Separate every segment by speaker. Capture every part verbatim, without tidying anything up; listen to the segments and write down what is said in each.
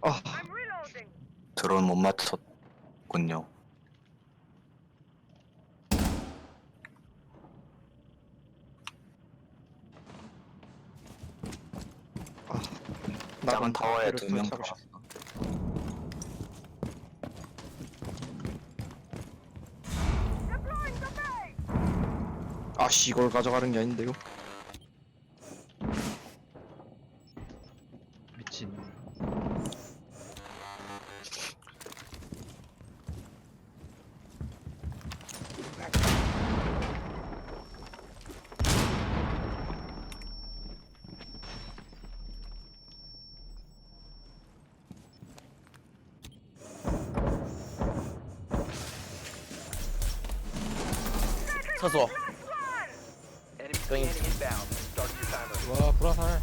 Speaker 1: 아,
Speaker 2: 드론 못 맞췄군요. 작은 타워에 두 명 들어갔어.
Speaker 1: 아씨, 이걸 가져가는 게 아닌데요.
Speaker 3: 미친.
Speaker 4: 厕所
Speaker 3: 와 불화살.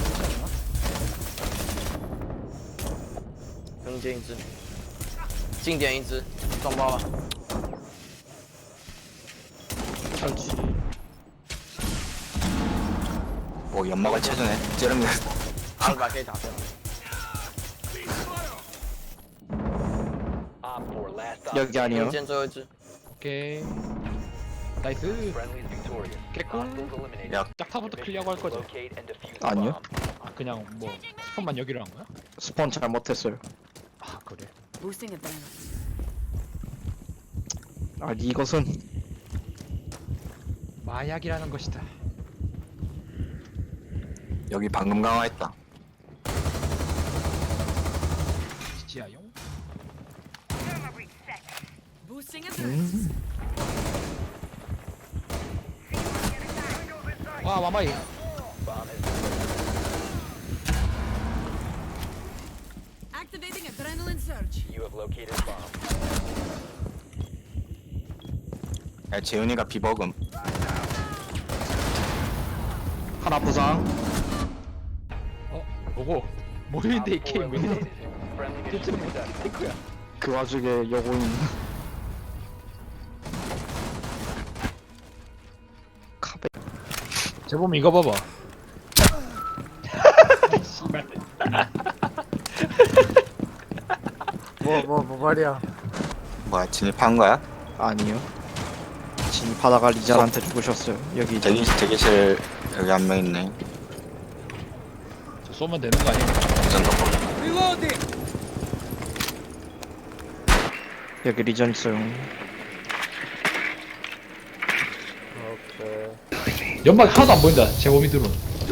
Speaker 4: 中间一只，近点一只，撞爆了。
Speaker 1: 설치.
Speaker 2: 오, 연막을 쳐주네. 찌르면
Speaker 4: 阿尔法可以打掉。
Speaker 1: 여기 아니요.
Speaker 4: 中间最后一只，
Speaker 3: 오케이. 나이스. 개꿀.
Speaker 2: 야,
Speaker 3: 짝타부터 클리어하고 할 거죠?
Speaker 1: 아니요.
Speaker 3: 아 그냥 뭐 스폰만 여기로 한 거야?
Speaker 1: 스폰 잘못했어요.
Speaker 3: 아 그래.
Speaker 5: Boosting adrenaline.
Speaker 1: 아, 이것은
Speaker 3: 마약이라는 것이다.
Speaker 2: 여기 방금 강화했다.
Speaker 3: 지하용.
Speaker 5: Boosting adrenaline.
Speaker 1: 음.
Speaker 3: 와 마마이.
Speaker 5: Activating adrenaline surge.
Speaker 2: 야, 재훈이가 비버금.
Speaker 1: 하나 부상.
Speaker 3: 어 뭐고? 모르는데 이 게임 왜 이래? 대체로 뭐 탱크야.
Speaker 1: 그 와중에 여고인. 카베.
Speaker 3: 재범 이거 봐봐. 씨발.
Speaker 6: 뭐 뭐 뭐 말이야.
Speaker 2: 뭐야, 진입한 거야?
Speaker 1: 아니요. 진입하다가 리잘한테 죽으셨어요. 여기
Speaker 2: 대기, 대기실 여기 한 명 있네.
Speaker 3: 저 쏘면 되는 거 아니야?
Speaker 2: 완전 덮어.
Speaker 1: 여기 리전 있어요.
Speaker 6: 오케이.
Speaker 3: 연막 하나도 안 보인다. 재범이 드론.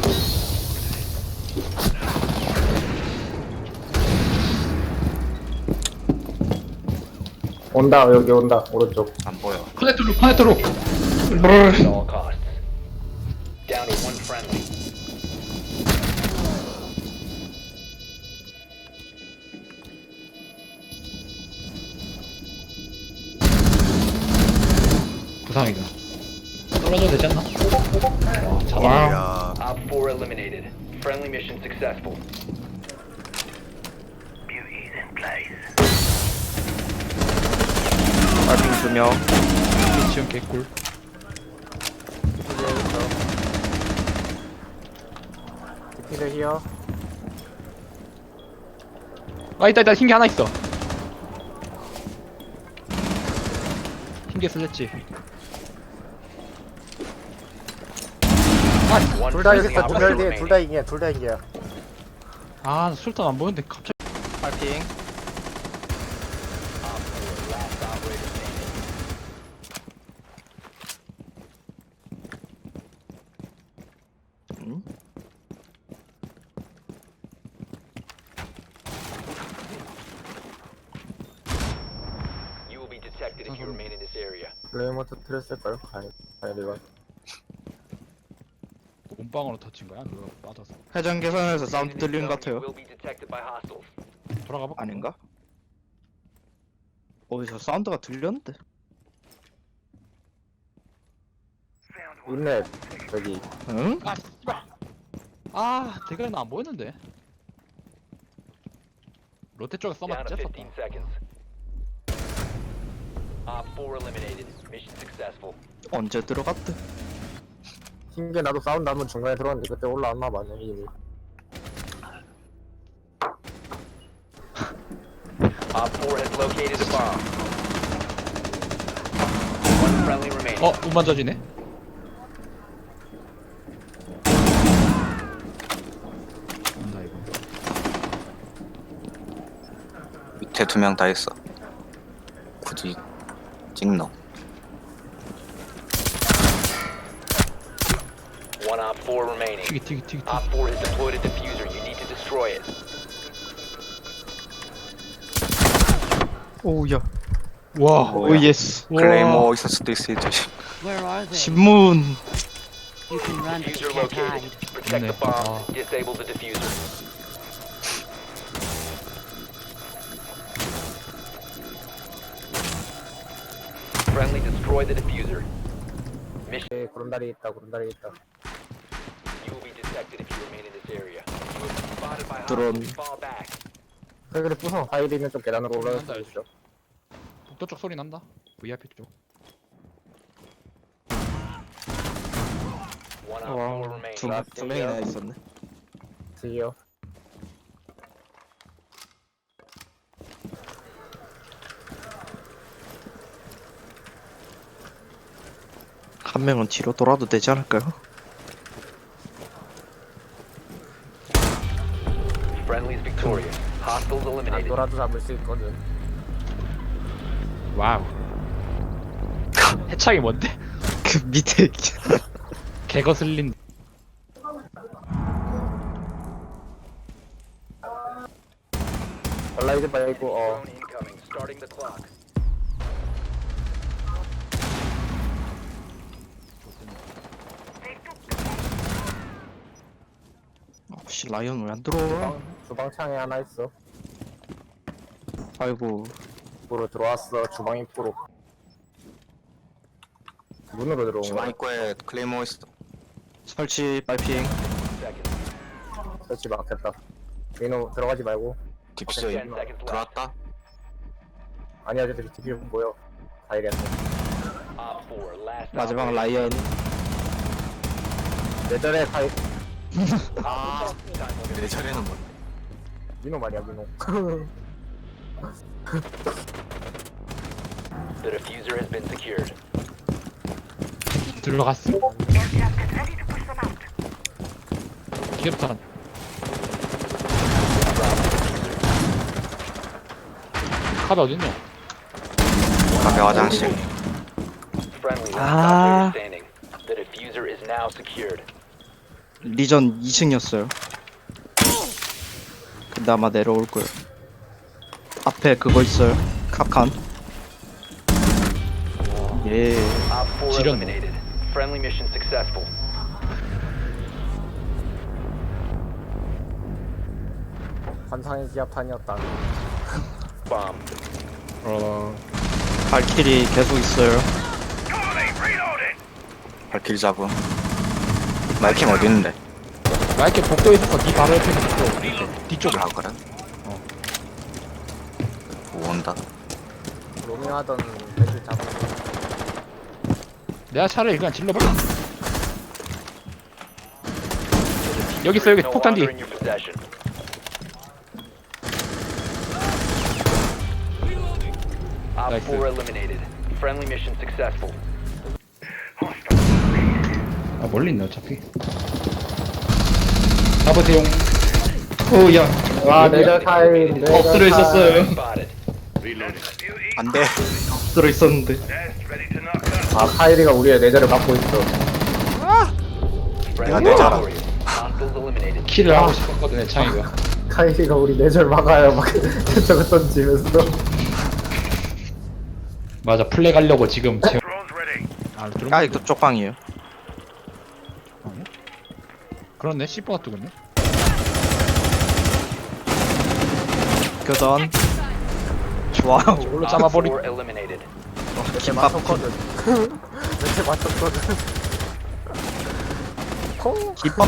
Speaker 6: 온다 여기 온다 오른쪽.
Speaker 2: 안 보여.
Speaker 3: 커넥터로 커넥터로. 부상이다. 떨어져도 되지 않나? 와, 잡아.
Speaker 2: 야,
Speaker 7: Op four eliminated. Friendly mission successful.
Speaker 1: 빨핑 두 명.
Speaker 3: 미치형 개꿀.
Speaker 6: 디피드 히어.
Speaker 3: 아 있다 있다 흰 게 하나 있어. 흰 게 슬랬지.
Speaker 7: One
Speaker 6: 둘 다 여기
Speaker 7: friendly
Speaker 6: 있어. 두명
Speaker 7: operator
Speaker 6: 뒤에 둘 다
Speaker 7: remaining.
Speaker 6: 이기야. 둘 다 이기야.
Speaker 3: 아 술탄 안 보이는데 갑자기.
Speaker 1: 빨핑.
Speaker 7: Op four, last operator standing.
Speaker 1: 음?
Speaker 7: You will be detected if you remain in this area.
Speaker 6: 레이먼 터트렸을까요? 가야 가야 돼가.
Speaker 3: 몸빵으로 터친 거야? 그거 맞아서.
Speaker 1: 회전 개선에서 사운드
Speaker 7: Remain
Speaker 1: 들리는
Speaker 7: in this
Speaker 1: 것
Speaker 7: zone,
Speaker 1: 같아요.
Speaker 7: you will be detected by hostiles.
Speaker 3: 돌아가 봐.
Speaker 1: 아닌가? 어디서 사운드가 들렸는데?
Speaker 6: 인넷 저기.
Speaker 1: 응?
Speaker 3: 아 씨발. 아 대가리 나안 보였는데. 롯데 쪽에
Speaker 7: Down
Speaker 3: 써맞
Speaker 7: to
Speaker 3: 쬐었다.
Speaker 7: fifteen seconds. Op four eliminated. Mission successful.
Speaker 1: 언제 들어갔대?
Speaker 6: 흰게 나도 사운드 한번 중간에 들어왔는데 그때 올라왔나 봐네 이미.
Speaker 7: Op four has located a bomb. One friendly remaining.
Speaker 3: 어, 운만 져지네. 온다 이거.
Speaker 2: 밑에 두 명 다 있어. 굳이 찍노.
Speaker 7: One Op four remaining.
Speaker 3: 튀기 튀기 튀기 튀기.
Speaker 7: Op four has deployed a diffuser. You need to destroy it.
Speaker 1: 오우야.
Speaker 3: 와.
Speaker 1: 오 예스.
Speaker 2: 클레이모 있을 수도 있어. 조심.
Speaker 5: Where are they?
Speaker 1: 신문.
Speaker 5: You can run, but you
Speaker 7: Diffuser
Speaker 5: can't
Speaker 7: located.
Speaker 5: hide.
Speaker 7: Protect the
Speaker 3: 네.
Speaker 7: bomb.
Speaker 3: 아.
Speaker 7: Disable the diffuser. Friendly destroy the diffuser. Mission.
Speaker 6: 네, 구름다리 있다 구름다리 있다.
Speaker 7: You will be detected if you remain in this area. You have been spotted by
Speaker 1: 드론.
Speaker 7: hostiles. Fall back.
Speaker 6: 그래 부숴. 하이드 있는 쪽 계단으로 올라갈
Speaker 3: 난다,
Speaker 6: 수 있어.
Speaker 3: 북도 쪽 소리 난다. 브이아이피 쪽.
Speaker 7: One Op four
Speaker 1: 와,
Speaker 7: remaining.
Speaker 1: 두, 두 명이나 있었네.
Speaker 6: 드디어.
Speaker 1: 한 명은 뒤로 돌아도 되지 않을까요?
Speaker 7: Friendly's victorious. Hostiles
Speaker 6: 안
Speaker 7: eliminated.
Speaker 6: 돌아도 잡을 수 있거든.
Speaker 3: 와우. 해창이 뭔데?
Speaker 1: 그 밑에
Speaker 3: 개거슬린.
Speaker 6: 얼라이드 말고 어.
Speaker 7: Drone incoming. Starting the clock.
Speaker 1: 혹시 라이언 왜 안 들어와?
Speaker 6: 주방, 주방창에 하나 있어.
Speaker 1: 아이고
Speaker 6: 입구로 들어왔어. 주방 입구로. 문으로 들어온
Speaker 2: 주방
Speaker 6: 거야.
Speaker 2: 입구에 클레이모 있어.
Speaker 1: 설치 빨핑.
Speaker 7: Seconds.
Speaker 6: 설치 막혔다. 민호 들어가지 말고.
Speaker 2: 딥스 들어왔다.
Speaker 6: 아니야 저기 뒤에 보여. 가이리한테.
Speaker 7: Op four. Last.
Speaker 1: 마지막
Speaker 7: operator.
Speaker 1: 라이언.
Speaker 6: 내전에 가이
Speaker 2: 아, 내 차례는 뭐?
Speaker 6: 민호 말이야 민호.
Speaker 7: The diffuser has been secured.
Speaker 3: 들어갔어. 기업탄. 카드 어딨노?
Speaker 2: 카페 화장실.
Speaker 7: Friendly. Last
Speaker 1: Ah.
Speaker 7: operator standing. The diffuser is now secured.
Speaker 1: 리전 이 층이었어요. 근데 아마 내려올 거예요. 앞에 그거 있어요. 카칸. 예.
Speaker 7: Op four
Speaker 3: 지렸네.
Speaker 7: eliminated. Friendly mission successful.
Speaker 6: 환상의 기압탄이었다.
Speaker 7: Bomb.
Speaker 3: 어.
Speaker 1: 발키리 계속 있어요.
Speaker 2: 발키리 잡음. 마이킹 어디 있는데?
Speaker 3: 나 이렇게 복도에 있어서 니 바로 옆에 있어. 뒤쪽에.
Speaker 2: 아 그래?
Speaker 3: 어.
Speaker 2: 오, 온다.
Speaker 6: 로밍하던 애들 잡은
Speaker 3: 내가 차라리 그냥 질러봐. 여기 있어 여기
Speaker 7: No
Speaker 3: 폭탄 뒤.
Speaker 7: longer in your possession. Op
Speaker 3: Nice.
Speaker 7: four eliminated. Friendly mission successful.
Speaker 3: 아 멀리 있네 어차피. 잡으세요.
Speaker 1: 오야.
Speaker 6: 와 내절 타임. 내절
Speaker 1: 엎드려
Speaker 6: 타임.
Speaker 1: 있었어요.
Speaker 7: Spotted.
Speaker 2: 안 돼.
Speaker 1: 들어 있었는데.
Speaker 6: 아 카이리가 우리의 내절을 막고 있어.
Speaker 7: Friendly
Speaker 2: 내잖아.
Speaker 7: victorious. Hostiles eliminated.
Speaker 3: 킬을 하고 싶었거든 해창이가.
Speaker 6: 카이리가 우리 내절 막아요. 막 저거 던지면서.
Speaker 3: 맞아 플렉 하려고 지금 제... 아 드론
Speaker 1: 아, 이거 쪽방이에요.
Speaker 3: 그렇네 씨퍼가 뜨거네.
Speaker 1: 교전. 와우.
Speaker 3: 이걸로
Speaker 7: Op
Speaker 3: 잡아버리.
Speaker 7: four eliminated.
Speaker 6: 몇대
Speaker 1: 김밥
Speaker 6: 맞췄거든. 몇대 맞췄거든. 콩.
Speaker 1: 김밥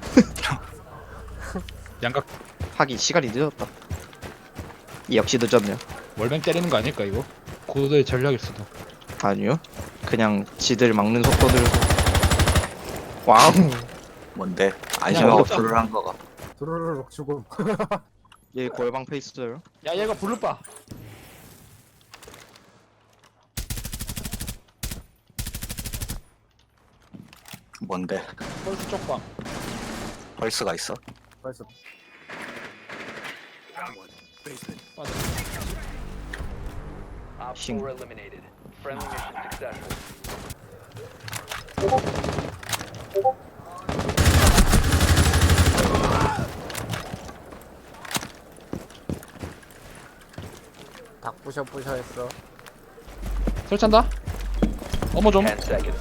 Speaker 3: 양각
Speaker 1: 하기 시간이 늦었다. 역시 늦었네요.
Speaker 3: 월뱅 때리는 거 아닐까 이거? 고도의 전략일 수도.
Speaker 1: 아니요. 그냥 지들 막는 속도들. 와우.
Speaker 2: 뭔데?
Speaker 3: 그냥
Speaker 2: 안심하고
Speaker 3: 어렵다.
Speaker 2: 불을 한 거가.
Speaker 6: 두루루룩 죽음.
Speaker 1: 얘 골방 페이스요.
Speaker 3: 야 얘가 블루바.
Speaker 2: 뭔데?
Speaker 3: 펄스 쪽방.
Speaker 2: 펄스가 있어?
Speaker 6: 벌써
Speaker 3: 맞아.
Speaker 7: Op
Speaker 1: Shing.
Speaker 7: four eliminated. Friendly mission successful.
Speaker 6: 닭 부셔 부셔 했어.
Speaker 3: 설치한다. 어머 좀.
Speaker 7: Ten seconds.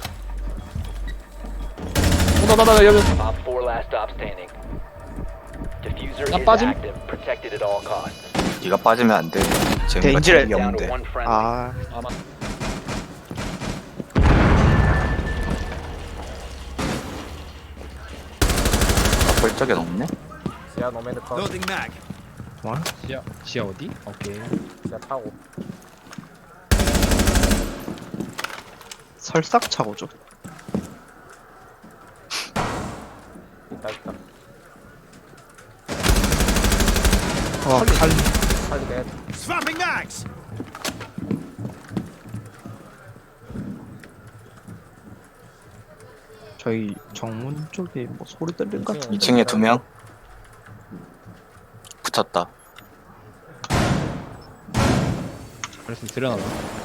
Speaker 3: 나나나 여기.
Speaker 7: Op four last stop standing. Diffuser
Speaker 3: 나
Speaker 7: is
Speaker 3: 빠짐.
Speaker 7: active. Protected at all costs.
Speaker 2: 네가 빠지면 안 돼. 재미가
Speaker 1: 데인지를-
Speaker 2: 재미가
Speaker 7: Down to
Speaker 2: 없는데.
Speaker 7: one friendly.
Speaker 1: 아
Speaker 3: 아 맞.
Speaker 2: 볼 적은 없네?
Speaker 6: 지하 노매드 컷.
Speaker 3: 지하 지하 어디? 오케이.
Speaker 6: 지하 타고.
Speaker 1: 설삭차고죠.
Speaker 6: 있다 있다.
Speaker 1: 와 칼.
Speaker 6: 빨리 내.
Speaker 1: 저희 정문 쪽에 뭐 소리 들린 것 같은데.
Speaker 2: 이 층에 두 명? 붙었다.
Speaker 3: 그래서 들여놔봐.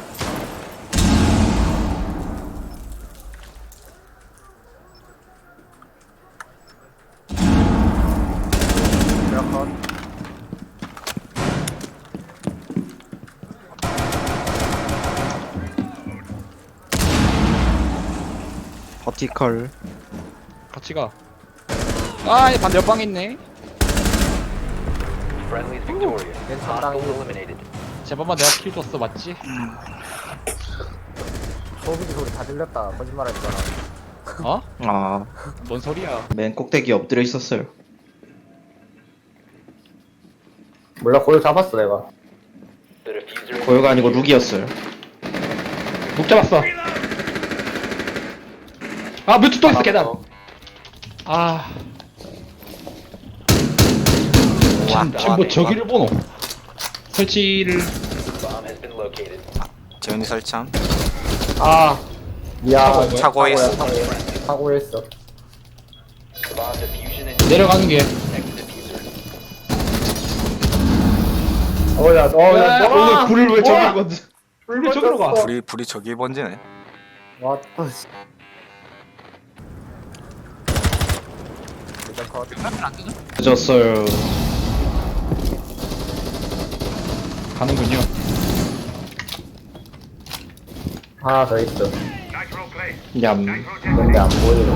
Speaker 6: 지하 컷.
Speaker 1: 버티컬.
Speaker 3: 같이 가. 아, 얘 반대 옆방에 있네.
Speaker 7: Friendly's victorious.
Speaker 6: 괜찮다.
Speaker 7: Hostiles eliminated.
Speaker 3: 제발만 내가 킬 줬어, 맞지?
Speaker 6: 소비기 소리 다 들렸다. 거짓말하지 마라.
Speaker 3: 어?
Speaker 1: 아,
Speaker 3: 뭔 소리야?
Speaker 1: 맨 꼭대기 엎드려 있었어요.
Speaker 6: 몰라 고요 잡았어 내가.
Speaker 7: The diffuser.
Speaker 1: 고요가 아니고 룩이었어요.
Speaker 3: 목 잡았어. 아, 뮤트 또 있어, 계단. 아,
Speaker 2: 와,
Speaker 3: 지금 뭐 저기를 보노? 설치를.
Speaker 7: Bomb has been located.
Speaker 2: 재훈이 설참.
Speaker 6: 아 미안.
Speaker 3: 차고인
Speaker 2: 거야?
Speaker 6: 차고야,
Speaker 2: 차고에 있어.
Speaker 6: 차고야. 차고했어.
Speaker 7: The bomb diffusion and
Speaker 3: 내려가는 게.
Speaker 7: protect the diffuser.
Speaker 6: 어야 어야
Speaker 3: 오늘 불을 왜 저기로 가? 불을 왜 저기로 가?
Speaker 2: 불이, 불이 저기 번지네.
Speaker 6: 왔다 씨. 일단 컷.
Speaker 1: 늦었어요.
Speaker 3: 가는군요.
Speaker 6: 하나 더 있어.
Speaker 1: 얌.
Speaker 6: 근데 안 보여.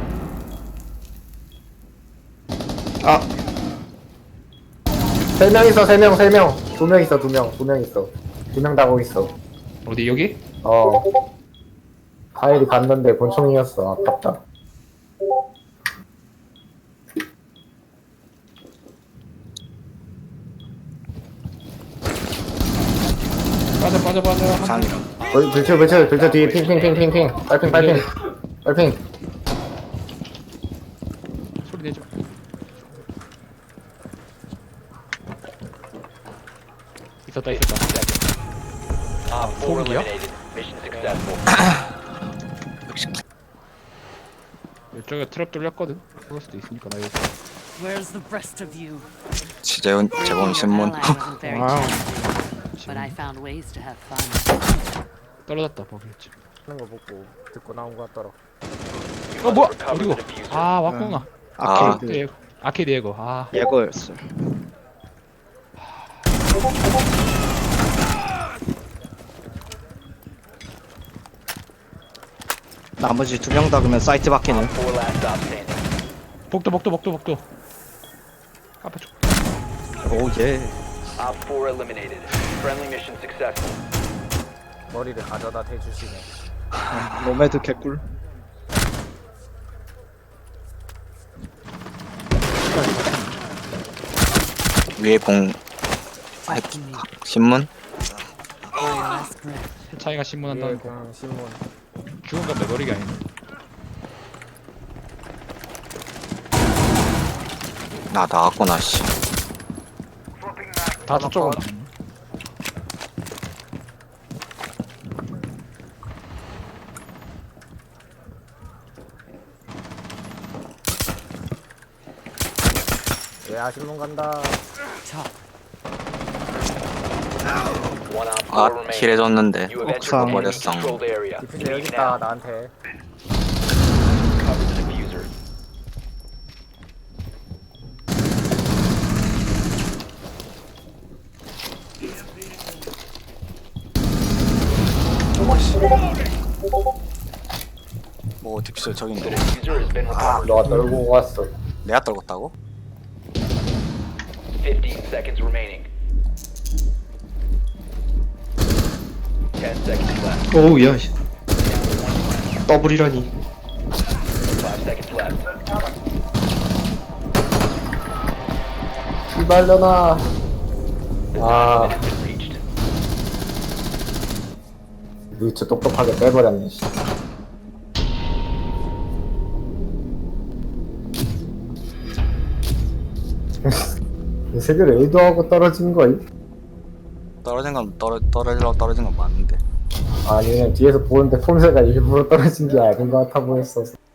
Speaker 1: 아,
Speaker 6: 세 명 있어 세 명 세 명. 두 명 있어 두 명 두 명 있어. 두 명 다고 있어.
Speaker 3: 어디 여기?
Speaker 6: 어. 파일이 갔는데 권총이었어. 아깝다.
Speaker 3: 빠져 빠져 빠져.
Speaker 2: 상이라.
Speaker 6: 불- 불쳐 불쳐 불쳐 뒤에 핑핑핑핑핑. 빨핑 빨핑. 빨핑.
Speaker 3: 소리 내지 마. 있었다 있었다.
Speaker 7: Op four
Speaker 3: 소음기야?
Speaker 7: eliminated. Mission successful.
Speaker 3: 이쪽에 트랩 뚫렸거든. 그럴 수도 있으니까 나 여기.
Speaker 5: Where's the rest of you?
Speaker 2: 지재훈, 재범 신문.
Speaker 5: Your ally wasn't very
Speaker 1: Wow.
Speaker 5: challenging, but I found ways to have fun.
Speaker 3: 떨어졌다 버기지.
Speaker 6: 하는 거 보고 듣고 나온 거 같더라.
Speaker 3: 어 뭐야?
Speaker 7: Recover
Speaker 3: 어디고?
Speaker 7: the diffuser.
Speaker 3: 아 왔구나.
Speaker 2: 아,
Speaker 3: 아케이드 예고. 아케이드 예고. 아
Speaker 1: 예거였어요. 나머지 두 명 다 그러면 사이트 밖에는.
Speaker 7: Op four last stop standing.
Speaker 3: 복도 복도 복도 복도. 앞에 쪽.
Speaker 1: 오 예.
Speaker 7: Op four eliminated. Friendly mission successful.
Speaker 6: 머리를 가져다 대주시네.
Speaker 1: 노매드 개꿀.
Speaker 2: 위에 봉, 아, 신문?
Speaker 5: One last breath.
Speaker 3: 차이가
Speaker 6: 위에
Speaker 3: 신문한다는 거.
Speaker 6: 공 신문.
Speaker 3: 죽은 건 내 머리가 아니네.
Speaker 2: 나 나왔구나, 씨.
Speaker 3: 다 저쪽 온다.
Speaker 6: 야 신문 간다.
Speaker 7: One op
Speaker 2: 아,
Speaker 7: four remaining.
Speaker 2: 킬해줬는데.
Speaker 7: You have entered
Speaker 1: 옥상.
Speaker 7: the
Speaker 2: 버렸어.
Speaker 7: controlled area.
Speaker 6: 디퓨저 여기
Speaker 7: Leave
Speaker 6: 있다
Speaker 7: now.
Speaker 6: 나한테.
Speaker 7: Cover the diffuser.
Speaker 2: 뭐 딕스 저기
Speaker 7: The
Speaker 2: 있네.
Speaker 7: diffuser has been recovered.
Speaker 6: 너가 떨고 갔어.
Speaker 2: 내가 떨궜다고?
Speaker 7: Fifteen seconds remaining. Ten seconds left.
Speaker 1: 오우 야 씨. 더블이라니.
Speaker 7: Five seconds left.
Speaker 6: 이발려나. 아,
Speaker 7: Has been reached.
Speaker 6: 루츠 똑똑하게 빼버렸네. 씨. 이 세계를 의도하고 떨어진 거임?
Speaker 2: 떨어진 건 떨어 떨어지려고 떨어진 건 맞는데.
Speaker 6: 아니면 뒤에서 보는데 폼새가 일부러 떨어진 게 아닌 것 같아 보였어.